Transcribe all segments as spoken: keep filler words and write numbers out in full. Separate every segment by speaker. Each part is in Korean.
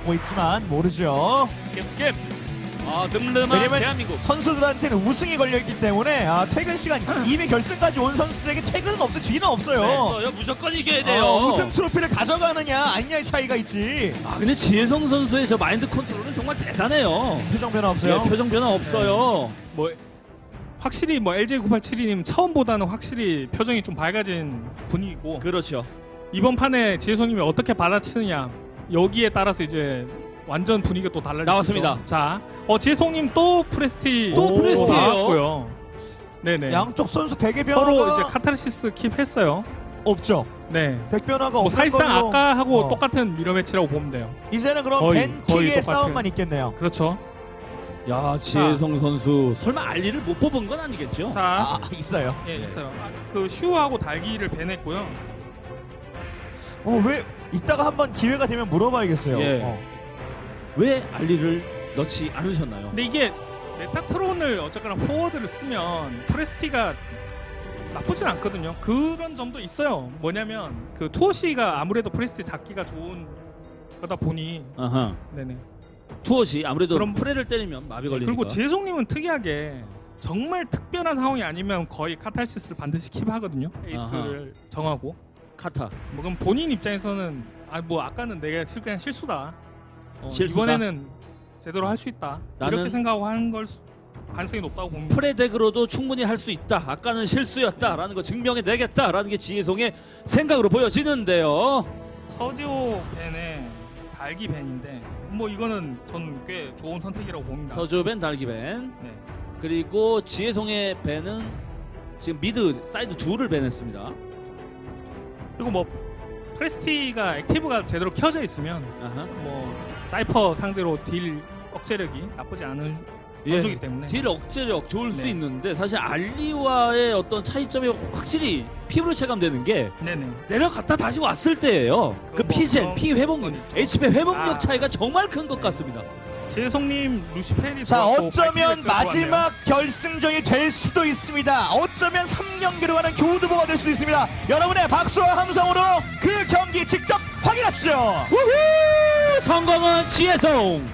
Speaker 1: 하고 있지만 모르죠.
Speaker 2: 스킵. 아 늠름한
Speaker 1: 왜냐면
Speaker 2: 대한민국.
Speaker 1: 선수들한테는 우승이 걸려있기 때문에 아, 퇴근 시간 이미 결승까지 온 선수들에게 퇴근은 없어요. 뒤는 없어요.
Speaker 2: 네, 없어요. 무조건 이겨야 돼요.
Speaker 1: 어, 우승 트로피를 가져가느냐 아니냐의 차이가 있지.
Speaker 2: 아 근데 지혜성 선수의 저 마인드 컨트롤은 정말 대단해요.
Speaker 1: 표정 변화 없어요.
Speaker 2: 네, 표정 변화 없어요.
Speaker 3: 뭐 확실히 뭐 엘제이 구팔칠이님 처음보다는 확실히 표정이 좀 밝아진 분위기고
Speaker 2: 그렇죠.
Speaker 3: 이번 판에 지혜성님이 어떻게 받아치느냐 여기에 따라서 이제 완전 분위기가 또 달라질
Speaker 2: 나왔습니다.
Speaker 3: 수 있죠. 자, 어 지혜성님 또 프레스티
Speaker 2: 또 프레스티예요?
Speaker 3: 나왔고요. 네네.
Speaker 1: 양쪽 선수 대개 변화가
Speaker 3: 서로 이제 카타르시스 킵했어요.
Speaker 1: 없죠.
Speaker 3: 네.
Speaker 1: 백 변화가
Speaker 3: 뭐
Speaker 1: 없는
Speaker 3: 사실상
Speaker 1: 걸로.
Speaker 3: 아까 하고
Speaker 1: 어.
Speaker 3: 똑같은 미러 매치라고 보면 돼요.
Speaker 1: 이제는 그럼
Speaker 3: 거의,
Speaker 1: 벤
Speaker 3: 거의
Speaker 1: 킥의
Speaker 3: 똑같은.
Speaker 1: 싸움만 있겠네요.
Speaker 3: 그렇죠.
Speaker 2: 야 지혜성 선수 설마 알리를 못 뽑은 건 아니겠죠?
Speaker 3: 자,
Speaker 1: 아 있어요.
Speaker 3: 예 있어요. 아, 그 슈하고 달기를 배냈고요.
Speaker 1: 어 왜 이따가 한번 기회가 되면 물어봐야겠어요.
Speaker 2: 예.
Speaker 1: 어.
Speaker 2: 왜 알리를 넣지 않으셨나요?
Speaker 3: 근데 이게 메타트론을 어쨌거나 포워드를 쓰면 프레스티가 나쁘진 않거든요. 그런 점도 있어요. 뭐냐면 그 투어시가 아무래도 프레스티 잡기가 좋은 거다 보니
Speaker 2: 아하.
Speaker 3: 네네.
Speaker 2: 투어시 아무래도
Speaker 3: 그럼-
Speaker 2: 프레를 때리면 마비 걸리니까.
Speaker 3: 그리고 재송님은 특이하게 정말 특별한 상황이 아니면 거의 카탈시스를 반드시 킵하거든요. 에이스를 정하고.
Speaker 2: 카타.
Speaker 3: 뭐 그럼 본인 입장에서는 아 뭐 아까는 내가 실- 그냥 실수다. 어,
Speaker 2: 실수다?
Speaker 3: 이번에는 제대로 할 수 있다.
Speaker 2: 나는-
Speaker 3: 이렇게 생각하고 하는 걸 수- 가능성이 높다고 봅니다.
Speaker 2: 프레 덱으로도 충분히 할 수 있다. 아까는 실수였다라는 거 증명해 내겠다라는 게 지혜성의 생각으로 보여지는데요.
Speaker 3: 서지호 벤의 달기 벤인데 뭐 이거는 저는 꽤 좋은 선택이라고 봅니다.
Speaker 2: 서주벤 달기벤
Speaker 3: 네.
Speaker 2: 그리고 지혜성의 벤은 지금 미드 사이드 둘을 벤했습니다.
Speaker 3: 그리고 뭐 프레스티가 액티브가 제대로 켜져 있으면
Speaker 2: 아하.
Speaker 3: 뭐 사이퍼 상대로 딜 억제력이 나쁘지 않은 선수이기 때문에
Speaker 2: 딜 억제력 좋을 수
Speaker 3: 네.
Speaker 2: 있는데 사실 알리와의 어떤 차이점이 확실히 피부로 체감되는 게
Speaker 3: 네네.
Speaker 2: 내려갔다 다시 왔을 때예요. 그
Speaker 3: 그 뭐
Speaker 2: 피젠,
Speaker 3: 그런
Speaker 2: 피 회복력,
Speaker 3: 건 있죠.
Speaker 2: 에이치피 회복력
Speaker 3: 아.
Speaker 2: 차이가 정말 큰 것 같습니다.
Speaker 3: 지혜성님 루시펠이
Speaker 1: 자
Speaker 3: 들어왔고
Speaker 1: 어쩌면
Speaker 3: 발키리가
Speaker 1: 마지막 결승전이 될 수도 있습니다. 어쩌면 삼 경기로 가는 교두보가 될 수도 있습니다. 여러분의 박수와 함성으로 그 경기 직접 확인하시죠.
Speaker 2: 우후! 성공은 지혜성.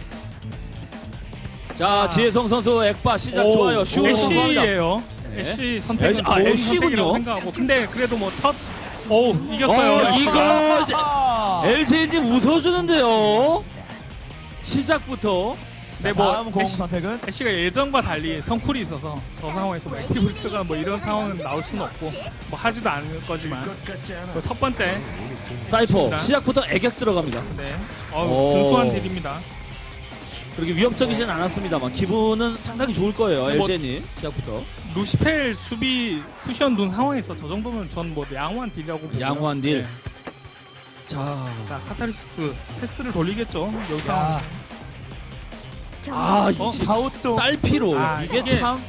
Speaker 2: 자
Speaker 3: 아.
Speaker 2: 지혜성 선수 액바 시작
Speaker 3: 오,
Speaker 2: 좋아요. 슈
Speaker 3: 애쉬예요.
Speaker 2: 네.
Speaker 3: 애쉬 선택은
Speaker 2: 애쉬- 아,
Speaker 3: 좋은
Speaker 2: 애쉬군요.
Speaker 3: 선택이라고 생각하고 근데 그래도 뭐 첫 오 이겼어요.
Speaker 2: 어, 이거
Speaker 1: 아,
Speaker 2: 엘제이님 웃어주는데요. 시작부터
Speaker 3: 네, 뭐
Speaker 1: 다음 공
Speaker 3: 애쉬,
Speaker 1: 선택은
Speaker 3: 애쉬가 예전과 달리 성쿨이 있어서 저 상황에서 뭐 액티브스가 뭐 이런 상황은 나올 수는 없고 뭐 하지도 않을 거지만 그첫 번째
Speaker 2: 사이퍼
Speaker 3: 좋습니다.
Speaker 2: 시작부터 애격 들어갑니다.
Speaker 3: 네
Speaker 2: 오.
Speaker 3: 어 준수한 딜입니다.
Speaker 2: 그렇게 위협적이진 않았습니다만 기분은 상당히 좋을 거예요.
Speaker 3: 뭐-
Speaker 2: 엘제이님 시작부터
Speaker 3: 루시펠 수비 쿠션 둔 상황에서 저 정도면 전 뭐 양호한 딜이라고 보고요.
Speaker 2: 양호한 딜.
Speaker 3: 네.
Speaker 2: 자,
Speaker 3: 자 카타르시스 패스를 돌리겠죠. 여기
Speaker 1: 야,
Speaker 3: 상황에서
Speaker 2: 아
Speaker 3: 어?
Speaker 2: 이
Speaker 1: 가우또
Speaker 2: 딸피로
Speaker 3: 아,
Speaker 2: 이게
Speaker 3: 이게-
Speaker 2: 참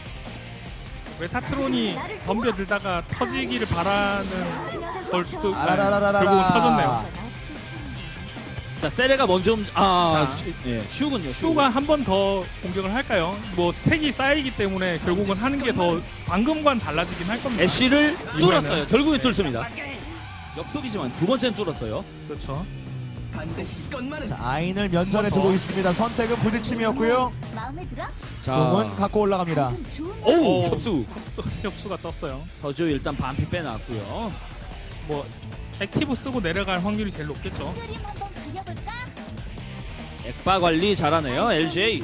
Speaker 3: 메타트론이 덤벼들다가 터지기를 바라는 걸 수도 아,
Speaker 1: 아라라라라라.
Speaker 3: 결국은 터졌네요.
Speaker 2: 자 세레가 먼저 움- 아
Speaker 3: 자,
Speaker 2: 슈, 예, 슈군요.
Speaker 3: 슈가 한 번 더 공격을 할까요? 뭐 스택이 쌓이기 때문에 결국은 하는 게 더 방금과는 달라지긴 할 겁니다.
Speaker 2: 애쉬를
Speaker 3: 이번에는.
Speaker 2: 뚫었어요. 결국에 뚫습니다. 역속이지만 두 번째는 뚫었어요.
Speaker 3: 그렇죠.
Speaker 1: 자, 아인을 면전에 두고 있습니다. 선택은 부딪힘이었고요.
Speaker 4: 마음에 들어?
Speaker 2: 자,
Speaker 1: 공은 갖고 올라갑니다.
Speaker 4: 좀 좋은
Speaker 2: 오
Speaker 3: 오.
Speaker 2: 협수.
Speaker 3: 협수가 떴어요.
Speaker 2: 서주 일단 반피 빼놨고요.
Speaker 3: 뭐 액티브 쓰고 내려갈 확률이 제일 높겠죠.
Speaker 4: 그림 한번 그려볼까?
Speaker 2: 액바 관리 잘하네요. 엘제이.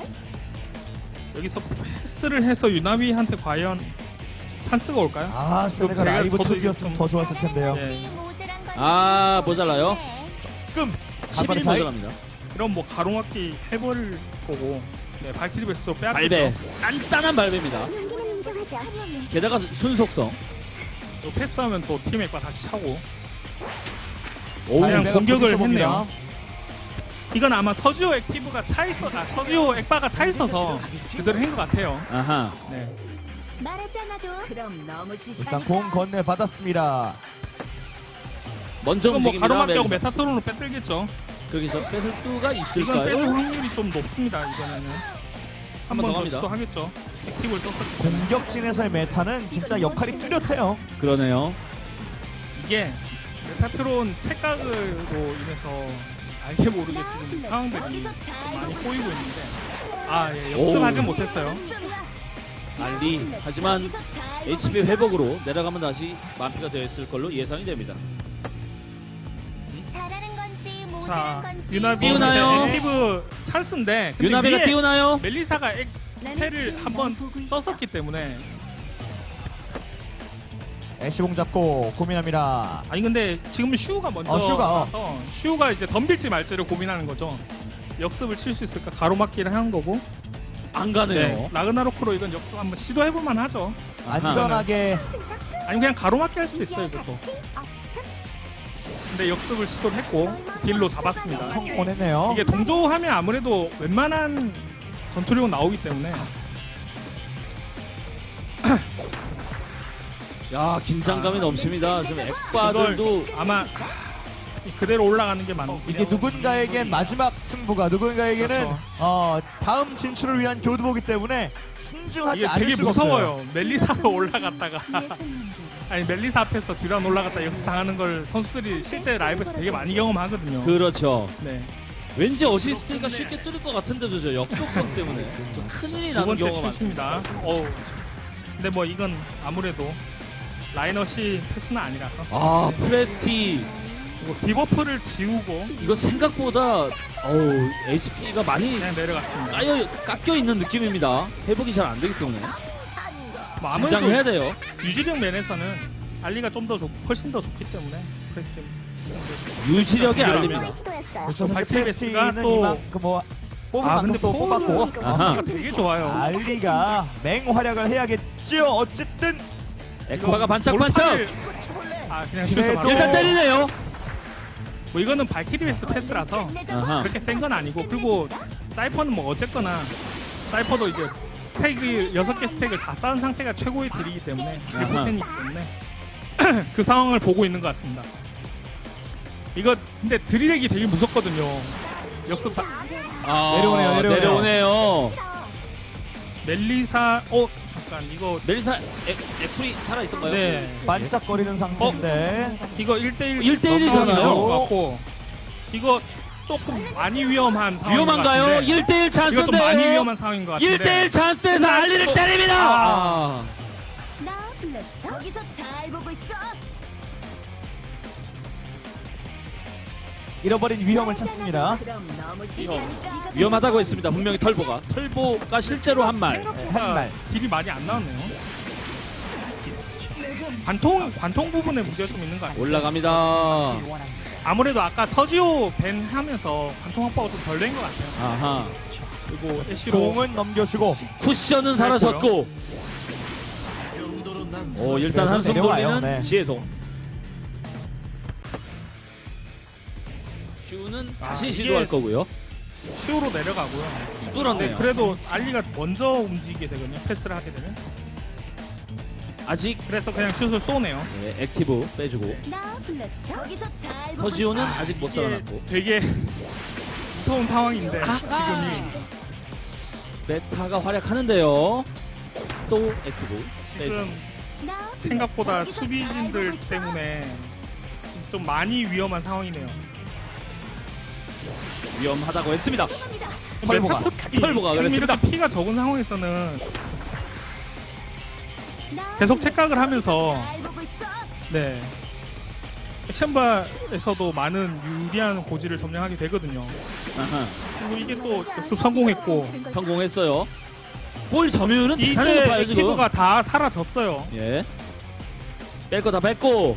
Speaker 3: 여기서 패스를 해서 유나비한테 과연 찬스가 올까요?
Speaker 1: 아 세네가
Speaker 3: 제가
Speaker 1: 라이브
Speaker 3: 저도
Speaker 1: 투기였으면
Speaker 3: 좀-
Speaker 1: 더 좋았을 텐데요.
Speaker 3: 예.
Speaker 2: 아, 모자라요?
Speaker 1: 조금
Speaker 2: 십일
Speaker 1: 간발의 차이.
Speaker 2: 모자랍니다.
Speaker 3: 그럼 뭐 가로막기 해버릴 거고 네, 발키리 베스도
Speaker 2: 발배.
Speaker 3: 빼앗겠죠.
Speaker 2: 단단한 발배입니다.
Speaker 4: 장기는 인정하자.
Speaker 2: 게다가 순속성.
Speaker 3: 또 패스하면 또 팀 액과 다시 차고
Speaker 2: 오,
Speaker 3: 그냥
Speaker 1: 발배가
Speaker 3: 공격을
Speaker 1: 부딪혀 봅니다.
Speaker 3: 했네요. 이건 아마 서지오 액티브가 차 있어, 아, 서지오 액바가 차 있어서 그대로 한 것 같아요.
Speaker 2: 아하.
Speaker 3: 네.
Speaker 4: 말하지 않아도 그럼 너무 시시하니까.
Speaker 1: 일단 공 건네 받았습니다.
Speaker 2: 먼저
Speaker 3: 이건 뭐
Speaker 2: 움직입니다.
Speaker 3: 가로막기하고
Speaker 2: 멜-
Speaker 3: 메타토론으로 빼들겠죠.
Speaker 2: 그러기서 뺏을 수가
Speaker 3: 이건
Speaker 2: 있을까요?
Speaker 3: 뺏을 확률이 좀 높습니다. 이번에는 한
Speaker 2: 한번
Speaker 3: 번
Speaker 2: 더
Speaker 3: 더
Speaker 2: 갑니다.
Speaker 3: 시도하겠죠. 액티브를 썼었기 때문에
Speaker 1: 공격진에서의 메타는 진짜 역할이 뚜렷해요.
Speaker 2: 그러네요.
Speaker 3: 이게 메타트론 책각으로 인해서 알게 모르게 지금 상황들이 좀 많이 꼬이고 있는데 아 예, 역습하진 못했어요.
Speaker 2: 알리 하지만 에이치피 회복으로 내려가면 다시 만피가 되었을 걸로 예상이 됩니다.
Speaker 4: 잘하는 건지 모자란
Speaker 3: 자
Speaker 4: 건지
Speaker 3: 유나비
Speaker 2: 띄우나요?
Speaker 3: 액티브 찬스인데 근데
Speaker 2: 유나베가
Speaker 3: 위에
Speaker 2: 띄우나요?
Speaker 3: 멜리사가
Speaker 4: 나는
Speaker 3: 패를
Speaker 4: 지금
Speaker 3: 한번
Speaker 4: 널 보고 있어.
Speaker 3: 썼었기 때문에
Speaker 1: 애쉬봉 잡고 고민합니다.
Speaker 3: 아니 근데 지금 슈가 먼저
Speaker 1: 어, 슈가, 어.
Speaker 3: 나서 슈가 이제 덤빌지 말지를 고민하는 거죠. 역습을 칠 수 있을까 가로막기를 하는 거고.
Speaker 2: 안 가네요.
Speaker 3: 라그나로크로 이건 역습 한번 시도해볼만 하죠.
Speaker 2: 아하.
Speaker 1: 안전하게
Speaker 3: 아니 그냥 가로막기 할 수도 있어요 이것도.
Speaker 4: 같이 없음.
Speaker 3: 근데 역습을 시도를 했고 딜로 잡았습니다.
Speaker 1: 성공했네요.
Speaker 3: 이게 동조하면 아무래도 웬만한 전투력은 나오기 때문에
Speaker 2: 야 긴장감이 넘칩니다. 지금 액바들도
Speaker 3: 이걸 아마 그대로 올라가는 게 맞는
Speaker 1: 이게 누군가에겐 마지막 승부가 누군가에게는
Speaker 3: 그렇죠.
Speaker 1: 어, 다음 진출을 위한 교두보기 때문에 신중하지
Speaker 3: 이게
Speaker 1: 않을
Speaker 3: 되게
Speaker 1: 수가
Speaker 3: 무서워요.
Speaker 1: 없어요.
Speaker 3: 멜리사로 올라갔다가
Speaker 4: 내 손님들.
Speaker 3: 아니 멜리사 앞에서 듀란 올라갔다 역습 당하는 걸 선수들이 실제 라이브에서 되게 많이 경험하거든요.
Speaker 2: 그렇죠.
Speaker 3: 네.
Speaker 2: 왠지 어시스트가 쉽게 뚫을 것 같은데도 저 역속성 때문에 좀 큰일이
Speaker 3: 두
Speaker 2: 나는
Speaker 3: 번째
Speaker 2: 경우가 많습니다.
Speaker 3: 슛입니다. 어우. 근데 뭐 이건 아무래도 라이너시 패스는 아니라서
Speaker 2: 아 프레스티
Speaker 3: 그리고 디버프를 지우고
Speaker 2: 이거 생각보다 어우 에이치피가 많이
Speaker 3: 그냥 내려갔습니다.
Speaker 2: 까여 깎여 있는 느낌입니다. 회복이 잘 안 되기 때문에
Speaker 3: 뭐
Speaker 2: 긴장해야
Speaker 3: 아무래도
Speaker 2: 돼요.
Speaker 3: 유지력 면에서는 알리가 좀 더 훨씬 더 좋기 때문에 프레스
Speaker 2: 유지력이
Speaker 3: 비교를
Speaker 2: 알립니다.
Speaker 3: 하면.
Speaker 4: 시도했어요.
Speaker 1: 그래서
Speaker 3: 발티베스가
Speaker 1: 발티베스는
Speaker 3: 또-
Speaker 1: 이만큼 뭐 뽑은
Speaker 3: 아,
Speaker 1: 만큼
Speaker 3: 근데
Speaker 1: 또
Speaker 3: 포울은
Speaker 1: 뽑았고
Speaker 2: 아하.
Speaker 3: 가 되게 좋아요.
Speaker 1: 알리가 맹활약을 해야겠죠. 어쨌든
Speaker 2: 에크바가 반짝반짝
Speaker 3: 돌파를- 아 그냥 슛을
Speaker 1: 그래도-
Speaker 3: 바로
Speaker 2: 일단 때리네요.
Speaker 3: 뭐 이거는 발키리베스 패스라서
Speaker 2: 아하.
Speaker 3: 그렇게 센 건 아니고 그리고 사이퍼는 뭐 어쨌거나 사이퍼도 이제 스택이 여섯 개 스택을 다 쌓은 상태가 최고의 딜이기 때문에
Speaker 2: 아하.
Speaker 3: 리포텐이기 때문에 그 상황을 보고 있는 것 같습니다. 이거 근데 드리렉이 되게 무섭거든요. 역습 다
Speaker 2: 아,
Speaker 1: 내려오네요, 내려오네요.
Speaker 2: 내려오네요.
Speaker 3: 멜리사 어 잠깐 이거
Speaker 2: 멜리사 에, 에프리 살아 있던가요?
Speaker 3: 네
Speaker 1: 반짝거리는 상태인데
Speaker 3: 이거 일 대일
Speaker 2: 일 대 일이잖아요.
Speaker 3: 같고 이거 조금 많이 위험한 상황인
Speaker 2: 위험한가요?
Speaker 3: 것 같은데
Speaker 2: 일 대 일
Speaker 3: 이거 좀 많이
Speaker 2: 찬스인데요.
Speaker 3: 위험한 상황인 것 같은데
Speaker 2: 일 대 일 찬스에서 알리를 때립니다. 아.
Speaker 4: 나 불렀어. 거기서 잘 보고 있어.
Speaker 1: 잃어버린 위험을 찾습니다.
Speaker 4: 그럼 너무 시시하니까.
Speaker 2: 위험하다고 했습니다. 분명히 털보가 털보가 실제로 한 말.
Speaker 3: 생각보다
Speaker 1: 한 말.
Speaker 3: 딜이 많이 안 나왔네요. 관통 관통 부분에 문제가 좀 있는 것 같아요.
Speaker 2: 올라갑니다.
Speaker 3: 아무래도 아까 서지오 밴 하면서 관통 확보가 좀 덜 된 것 같아요.
Speaker 2: 아하.
Speaker 3: 그리고 애쉬로
Speaker 1: 공은 넘겨주고
Speaker 2: 쿠션은 사라졌고. 오 일단 한숨
Speaker 1: 내려와요.
Speaker 2: 돌리는
Speaker 1: 네.
Speaker 2: 지혜송. 슈는
Speaker 3: 아,
Speaker 2: 다시
Speaker 3: 이게-
Speaker 2: 시도할 거고요.
Speaker 3: 슈로 내려가고요. 네,
Speaker 2: 뚫었네요.
Speaker 3: 그래도 알리가 먼저 움직이게 되거든요. 패스를 하게 되면.
Speaker 2: 아직
Speaker 3: 그래서 그냥 슛을 쏘네요.
Speaker 2: 네, 액티브 빼주고
Speaker 4: 나 불렀어. 거기서 잘 보고
Speaker 2: 서지호는
Speaker 4: 있어.
Speaker 2: 아직 못
Speaker 3: 이게
Speaker 2: 살아났고
Speaker 3: 되게 무서운 상황인데
Speaker 2: 아.
Speaker 3: 지금이
Speaker 2: 메타가 활약하는데요. 또 액티브 빼주고.
Speaker 3: 지금
Speaker 4: 나 불렀어.
Speaker 3: 생각보다
Speaker 4: 거기서 잘
Speaker 3: 수비진들
Speaker 4: 보고 있어.
Speaker 3: 때문에 좀 많이 위험한 상황이네요.
Speaker 2: 위험하다고 했습니다.
Speaker 4: 죄송합니다.
Speaker 1: 털보가.
Speaker 2: 털보가
Speaker 3: 지금
Speaker 2: 그랬습니다.
Speaker 3: 이렇게 피가 적은 상황에서는
Speaker 4: 나
Speaker 3: 계속
Speaker 4: 불렀어.
Speaker 3: 착각을 하면서
Speaker 4: 잘 보고 있어.
Speaker 3: 네 액션바에서도 많은 유리한 고지를 점령하게 되거든요.
Speaker 2: 아하.
Speaker 3: 그리고 이게 또 역습 성공했고
Speaker 2: 성공했어요. 볼 점유율은
Speaker 3: 이제
Speaker 2: 대단히 높아요 지금.
Speaker 3: 액티브가 다 사라졌어요.
Speaker 2: 예. 뺄 거 다 뺐고.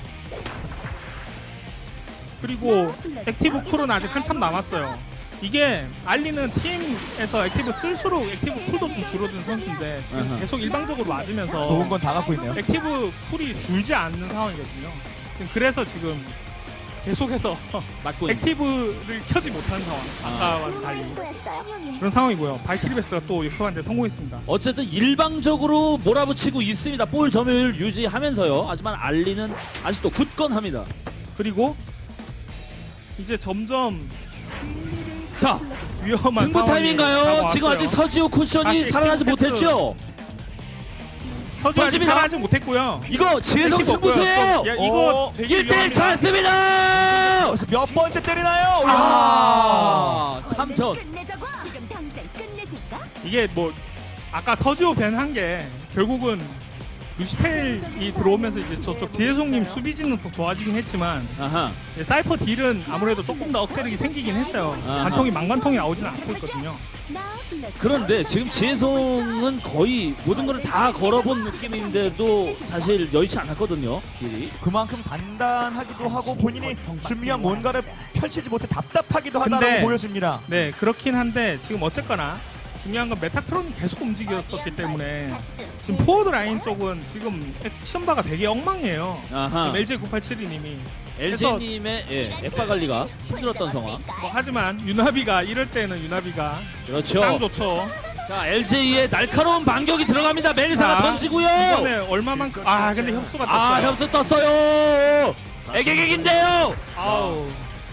Speaker 3: 그리고 액티브 쿨은 아직 한참 남았어요. 이게 알리는 팀에서 액티브 쓸수록 액티브 쿨도 좀 줄어든 선수인데 지금
Speaker 2: 아하.
Speaker 3: 계속 일방적으로 맞으면서
Speaker 1: 좋은 건 다 갖고 있네요.
Speaker 3: 액티브 쿨이 줄지 않는 상황이거든요. 지금 그래서 지금 계속해서
Speaker 2: 맞고 있는.
Speaker 3: 액티브를 켜지 못하는 상황. 아까와
Speaker 4: 잘
Speaker 3: 달리
Speaker 4: 시도했어요.
Speaker 3: 그런 상황이고요. 발키리베스가 또 역습하는데 성공했습니다.
Speaker 2: 어쨌든 일방적으로 몰아붙이고 있습니다. 볼 점유율 유지하면서요. 하지만 알리는 아직도 굳건합니다.
Speaker 3: 그리고 이제 점점
Speaker 2: 자,
Speaker 3: 위험한
Speaker 2: 승부
Speaker 3: 상황이
Speaker 2: 타임인가요?
Speaker 3: 다가왔어요.
Speaker 2: 지금 아직 서지호 쿠션이
Speaker 3: 다시
Speaker 2: 살아나지
Speaker 3: 킹 패스.
Speaker 2: 못했죠?
Speaker 3: 서주 아직
Speaker 2: 던집니다.
Speaker 3: 살아나지 못했고요.
Speaker 2: 이거 지혜성
Speaker 3: 뺏기고 없고요.
Speaker 2: 승부수예요.
Speaker 3: 또, 야, 이거
Speaker 1: 어,
Speaker 3: 되게
Speaker 2: 일 대 일
Speaker 3: 위험합니다.
Speaker 1: 어,
Speaker 2: 찬스입니다.
Speaker 1: 그래서 몇 번째 때리나요?
Speaker 2: 아, 삼 점.
Speaker 4: 끝내자고. 지금 당장 끝내줄까?
Speaker 3: 이게 뭐 아까 서주 밴한 게 결국은 루시펠이 들어오면서 이제 저쪽 지혜송님 수비진은 더 좋아지긴 했지만
Speaker 2: 아하.
Speaker 3: 이제 사이퍼 딜은 아무래도 조금 더 억제력이 생기긴 했어요.
Speaker 2: 아하.
Speaker 3: 관통이 망관통이 나오지는 않고 있거든요.
Speaker 4: 나 불렀어.
Speaker 2: 그런데 지금 지혜성은 거의 모든 걸 다 걸어본 느낌인데도 사실 여의치 않았거든요. 딜이.
Speaker 1: 그만큼 단단하기도 하고 본인이 준비한 뭔가를 펼치지 못해 답답하기도 하다라고
Speaker 3: 근데-
Speaker 1: 보여집니다.
Speaker 3: 네, 그렇긴 한데 지금 어쨌거나 중요한 건 메타트론이 계속 움직였었기 때문에 지금 포워드 라인 쪽은 지금 액션바가 되게 엉망이에요.
Speaker 2: 아하.
Speaker 3: 엘제이 구팔칠이 님이
Speaker 2: 엘제이님의 예, 액바 관리가 힘들었던 상황.
Speaker 3: 뭐 하지만 유나비가 이럴 때는 유나비가
Speaker 2: 그렇죠.
Speaker 3: 짱 좋죠.
Speaker 2: 자, 엘제이의 날카로운 반격이 들어갑니다. 멜리사가
Speaker 3: 자,
Speaker 2: 던지고요.
Speaker 3: 이번에 얼마만큼 아 근데 협수가
Speaker 2: 아,
Speaker 3: 떴어요.
Speaker 2: 협수 떴어요. 애객액인데요.
Speaker 3: 아우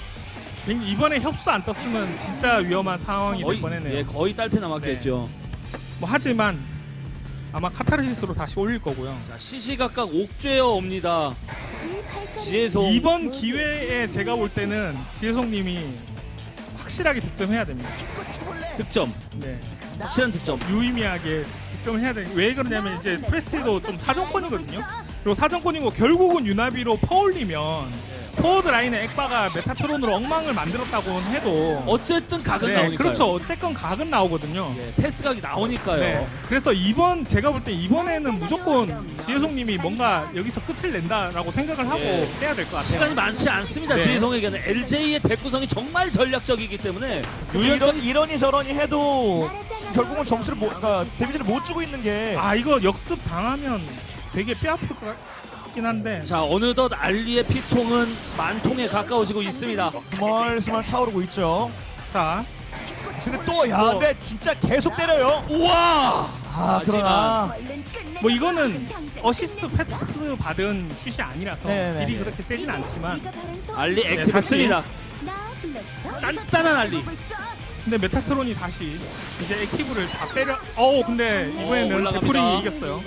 Speaker 3: 이번에 협수 안 떴으면 진짜 위험한 상황이 될
Speaker 2: 거의
Speaker 3: 뻔했네요.
Speaker 2: 예, 거의 딸패 남았겠죠.
Speaker 3: 뭐 하지만 아마 카타르시스로 다시 올릴 거고요.
Speaker 2: 자, 시시각각 옥죄어 옵니다. 지혜성.
Speaker 3: 이번 기회에 제가 볼 때는 지혜성님이 확실하게 득점해야 됩니다.
Speaker 2: 득점.
Speaker 3: 네,
Speaker 2: 확실한 득점.
Speaker 3: 유의미하게 득점을 해야 돼. 왜 그러냐면 이제 프레스티도 좀 사정권이거든요. 그리고 사정권이고 결국은 유나비로 퍼올리면 포워드 라인의 액바가 메타트론으로 엉망을 만들었다고 해도
Speaker 2: 어쨌든 각은
Speaker 3: 네,
Speaker 2: 나오니까요.
Speaker 3: 그렇죠. 어쨌건 각은 나오거든요.
Speaker 2: 예, 패스각이 나오니까요.
Speaker 3: 네. 그래서 이번 제가 볼 때 이번에는 무조건 지혜송님이 뭔가 여기서 끝을 낸다라고 생각을 하고
Speaker 2: 예.
Speaker 3: 해야 될 것 같아요.
Speaker 2: 시간이 많지 않습니다.
Speaker 3: 네.
Speaker 2: 지혜성에게는 엘제이의 대구성이 정말 전략적이기 때문에
Speaker 1: 이런 이러니 저러니 해도 지금 결국은 점수를 못, 그러니까 데미지를 못 주고 있는 게
Speaker 3: 아 이거 역습 당하면 되게 뼈아플 것 같긴 한데
Speaker 2: 자, 어느덧 알리의 피통은 만통에 가까워지고 있습니다.
Speaker 1: 스멀스멀 차오르고 있죠.
Speaker 3: 자
Speaker 1: 근데 또 야, 근데 진짜 계속 때려요.
Speaker 2: 우와!
Speaker 1: 아, 그러나
Speaker 4: 얼른 끝내자고.
Speaker 3: 뭐 이거는
Speaker 4: 지금 당장
Speaker 3: 어시스트 패스 받은 슛이 아니라서
Speaker 1: 네네네.
Speaker 3: 딜이 그렇게 세진 않지만
Speaker 4: 네가 바른 손.
Speaker 2: 알리
Speaker 3: 네,
Speaker 2: 액티브입니다.
Speaker 4: 나 불렀어.
Speaker 2: 단단한 알리.
Speaker 3: 근데 메타트론이 다시 이제 액티브를 다 빼려 어우 근데
Speaker 2: 어,
Speaker 3: 이번에는
Speaker 2: 올라갑니다.
Speaker 3: 베풀이 이겼어요.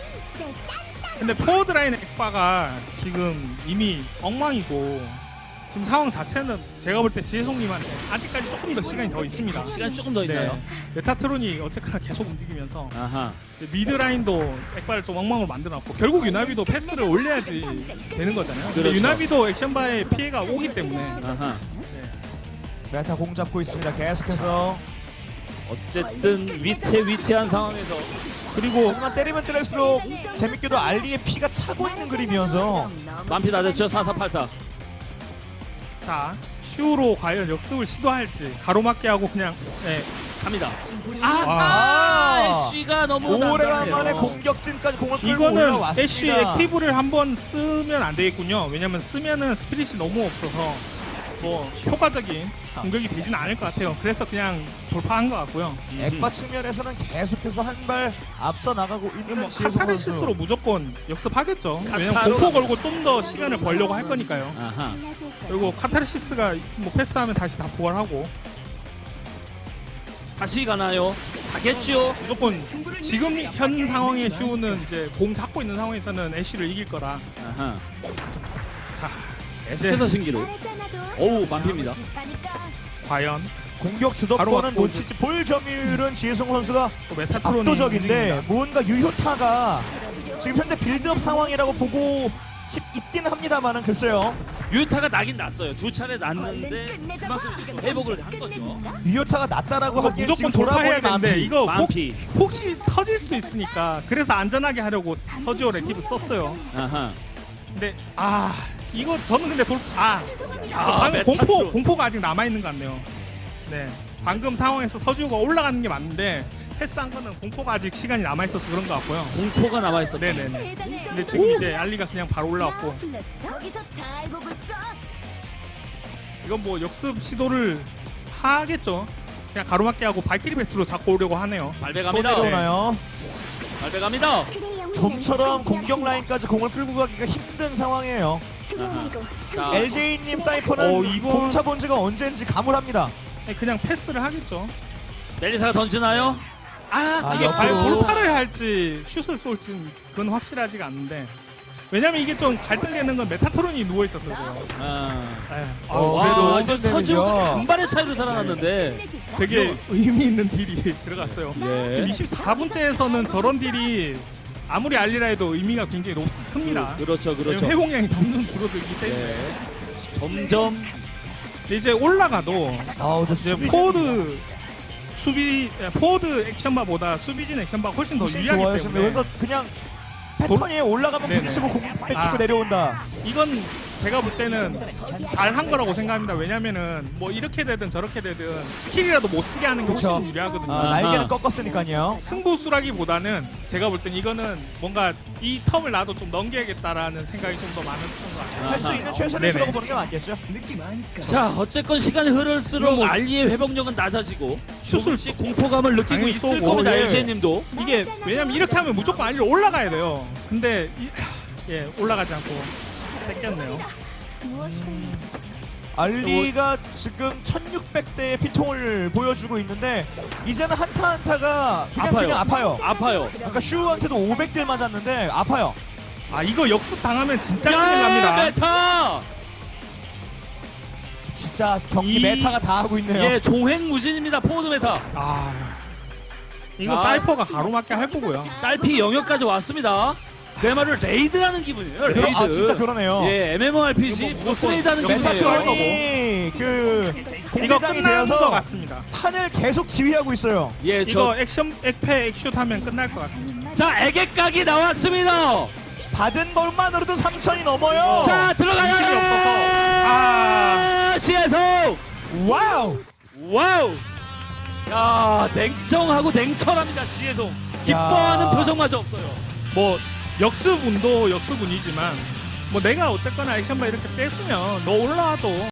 Speaker 3: 근데 포워드 라인 액바가 지금 이미 엉망이고 지금 상황 자체는 제가 볼 때 지혜송님한테 아직까지 조금 더 시간이 더 있습니다.
Speaker 2: 시간이 조금 더 있나요?
Speaker 3: 네. 메타트론이 어쨌거나 계속 움직이면서
Speaker 2: 아하.
Speaker 3: 이제 미드 라인도 액바를 좀 엉망으로 만들어놨고 결국 유나비도 패스를 올려야지 되는 거잖아요. 근데
Speaker 2: 그렇죠.
Speaker 3: 유나비도 액션바에 피해가 오기 때문에
Speaker 2: 아하.
Speaker 3: 네.
Speaker 1: 메타 공 잡고 있습니다. 계속해서.
Speaker 2: 어쨌든 위태 위태한 상황에서
Speaker 3: 그리고
Speaker 1: 하지만 때리면 때릴수록 재밌게도 알리의 피가 차고 있는 그림이어서
Speaker 2: 만피 다 됐죠. 사사팔사.
Speaker 3: 자 슈로 과연 역습을 시도할지 가로막기 하고 그냥 네.
Speaker 2: 갑니다. 아,
Speaker 3: 와.
Speaker 2: 아, 애쉬가 너무
Speaker 1: 오래간만에
Speaker 2: 난감해요.
Speaker 1: 공격진까지 공을 끌고
Speaker 3: 이거는
Speaker 1: 올라왔습니다.
Speaker 3: 애쉬 액티브를 한번 쓰면 안 되겠군요. 왜냐면 쓰면은 스피릿이 너무 없어서 뭐 효과적인 공격이 되지는 않을 것 같아요. 그래서 그냥 돌파한 것 같고요.
Speaker 1: 액바 측면에서는 계속해서 한 발 앞서 나가고
Speaker 3: 이거
Speaker 1: 있는
Speaker 3: 뭐
Speaker 1: 지혜성
Speaker 3: 카타르시스로
Speaker 1: 선수.
Speaker 3: 무조건 역습하겠죠. 왜냐면
Speaker 2: 카타로
Speaker 3: 공포 걸고 좀 더 시간을 벌려고 할 거니까요.
Speaker 2: 아하.
Speaker 3: 그리고 카타르시스가 뭐 패스하면 다시 다 부활하고
Speaker 2: 다시 가나요? 가겠죠.
Speaker 3: 무조건 지금 현 상황의 슈는 이제 공 잡고 있는 상황에서는 애쉬를 이길 거라.
Speaker 2: 아하.
Speaker 3: 자
Speaker 2: 계속해서 신기루. 어우, 만피입니다.
Speaker 3: 과연
Speaker 1: 공격
Speaker 3: 바로
Speaker 1: 주도권은
Speaker 3: 갖고
Speaker 1: 놓치지 볼 점유율은 지혜성 선수가
Speaker 3: 또 메타트론이
Speaker 1: 압도적인데
Speaker 3: 움직입니다.
Speaker 1: 뭔가 유효타가 지금 현재 빌드업 상황이라고 보고 싶 있긴 합니다만은 글쎄요.
Speaker 2: 유타가 나긴 났어요. 두 차례 났는데 그만큼 이제 또 회복을 한 거죠.
Speaker 1: 유효타가 낮다라고
Speaker 3: 이거
Speaker 1: 하기엔
Speaker 3: 무조건
Speaker 1: 지금
Speaker 3: 돌파해야
Speaker 1: 돌아보니
Speaker 3: 되는데
Speaker 1: 만피.
Speaker 3: 이거 혹,
Speaker 2: 만피.
Speaker 3: 혹시 터질 수도 있으니까 그래서 안전하게 하려고 서지오 레티브 썼어요.
Speaker 2: 아하.
Speaker 3: 근데 아 이거 저는 근데 돌아
Speaker 2: 아,
Speaker 3: 방금
Speaker 2: 메타트론.
Speaker 3: 공포 공포가 아직 남아 있는 것 같네요. 네 방금 상황에서 서지오가 올라가는 게 맞는데 패스한 거는 공포가 아직 시간이 남아 있어서 그런 것 같고요.
Speaker 2: 공포가 남아 있었다.
Speaker 3: 네네네. 근데 지금 이제 알리가 그냥 바로 올라왔고
Speaker 4: 거기서 잘 보고 있어.
Speaker 3: 이건 뭐 역습 시도를 하겠죠. 그냥 가로막기 하고 발키리 베스로 잡고 오려고 하네요.
Speaker 2: 발배
Speaker 1: 또
Speaker 2: 갑니다.
Speaker 1: 내려오나요?
Speaker 2: 발배 갑니다.
Speaker 1: 좀처럼 공격 라인까지 공을 끌고 가기가 힘든 상황이에요.
Speaker 2: 자,
Speaker 1: 엘제이님 사이퍼는
Speaker 3: 어, 이거-
Speaker 1: 공차 본 지가 언제인지 가물합니다.
Speaker 3: 네, 그냥 패스를 하겠죠.
Speaker 2: 멜리사가 던지나요? 아,
Speaker 3: 이게
Speaker 1: 옆으로.
Speaker 3: 과연 돌파를 할지 슛을 쏠지 그건 확실하지가 않는데 왜냐면 이게 좀 갈등되는 건 메타트론이 누워 있었어요.
Speaker 2: 아.
Speaker 3: 예.
Speaker 1: 어,
Speaker 2: 와,
Speaker 1: 그래도
Speaker 2: 지금
Speaker 1: 오픈
Speaker 2: 서지호가
Speaker 1: 데미지요.
Speaker 2: 간발의 차이로 살아났는데
Speaker 4: 끝내줄까?
Speaker 3: 되게 의미 있는 딜이 들어갔어요.
Speaker 2: 예.
Speaker 3: 지금 이십사 분째에서는 저런 딜이 아무리 알리라 해도 의미가 굉장히 높, 큽니다.
Speaker 2: 그, 그렇죠, 그렇죠.
Speaker 3: 왜냐면 회공량이 점점 줄어들기 때문에
Speaker 2: 예. 점점
Speaker 3: 근데 이제 올라가도
Speaker 1: 아, 근데
Speaker 3: 이제
Speaker 1: 수비
Speaker 3: 포워드 수비 예, 포워드 액션바보다 수비진 액션바가 훨씬 더
Speaker 1: 훨씬
Speaker 3: 유리하기
Speaker 1: 좋아요.
Speaker 3: 때문에
Speaker 1: 그래서 그냥 패턴이 올라가면
Speaker 3: 네네.
Speaker 1: 부딪히고 공 빼치고
Speaker 3: 아.
Speaker 1: 내려온다.
Speaker 3: 이건 제가 볼 때는 잘한 거라고 생각합니다. 왜냐면은 뭐 이렇게 되든 저렇게 되든 스킬이라도 못 쓰게 하는 게 훨씬
Speaker 1: 그쵸.
Speaker 3: 유리하거든요.
Speaker 1: 아,
Speaker 2: 아하.
Speaker 1: 날개는 꺾었으니까요.
Speaker 3: 승부수라기보다는 제가 볼 땐 이거는 뭔가 이 텀을 나도 좀 넘겨야겠다라는 생각이 좀 더 많은 것 같아요.
Speaker 1: 할 수
Speaker 2: 아하.
Speaker 1: 있는 최선의
Speaker 3: 네네.
Speaker 1: 수라고 보는 게 맞겠죠.
Speaker 2: 자, 어쨌건 시간이 흐를수록
Speaker 3: 이거 뭐-
Speaker 2: 알리의 회복력은 낮아지고
Speaker 3: 슛을
Speaker 2: 조금씩 공포감을 느끼고
Speaker 3: 당연히
Speaker 2: 있을
Speaker 3: 쏘고,
Speaker 2: 겁니다.
Speaker 1: 예.
Speaker 2: 엘지님도.
Speaker 3: 이게 왜냐면 이렇게 하면 무조건 알리로 올라가야 돼요. 근데 이, 예 올라가지 않고 뺏겼네요.
Speaker 4: 무엇이든
Speaker 1: 알리가 지금 천육백 대의 피통을 보여주고 있는데 이제는 한타 한타가 그냥
Speaker 2: 아파요.
Speaker 1: 그냥 아파요.
Speaker 2: 아파요.
Speaker 1: 아까 슈한테도 오백 대 맞았는데 아파요.
Speaker 3: 아 이거 역습 당하면 진짜 큰일
Speaker 2: 야,
Speaker 3: 납니다.
Speaker 2: 메타.
Speaker 1: 진짜 경기
Speaker 3: 이-
Speaker 1: 메타가 다 하고 있네요.
Speaker 2: 예, 종횡무진입니다. 포워드 메타.
Speaker 3: 아 이거
Speaker 2: 자.
Speaker 3: 사이퍼가 가로막게 할 거고요.
Speaker 2: 딸피 영역까지 왔습니다. 그야말로 레이드하는 기분이에요. 레이드.
Speaker 1: 그러- 아 진짜 그러네요.
Speaker 2: 예, 엠엠오알피지
Speaker 3: 이거 뭐
Speaker 2: 보스
Speaker 3: 무조건
Speaker 2: 레이드하는
Speaker 3: 역습
Speaker 2: 기분이에요.
Speaker 3: 들어갈 거고.
Speaker 1: 메타트론이 그
Speaker 3: 이거
Speaker 1: 공대장이
Speaker 3: 끝나는 것
Speaker 1: 되어서
Speaker 3: 같습니다.
Speaker 1: 판을 계속 지휘하고 있어요.
Speaker 2: 예,
Speaker 3: 이거
Speaker 2: 저.
Speaker 3: 액션 액패 액슛 하면 끝날 것 같습니다.
Speaker 2: 자, 애객각이 나왔습니다.
Speaker 1: 받은 것만으로도 삼천이 넘어요.
Speaker 2: 자, 들어가요.
Speaker 3: 인식이 없어서. 아.
Speaker 2: 시에서
Speaker 1: 와우.
Speaker 2: 와우. 야, 냉정하고 냉철합니다. 지혜동. 기뻐하는
Speaker 1: 야.
Speaker 2: 표정마저 없어요.
Speaker 3: 뭐 역습운도 역습운이지만 뭐 내가 어쨌거나 액션바 이렇게 뺐으면 너 올라와도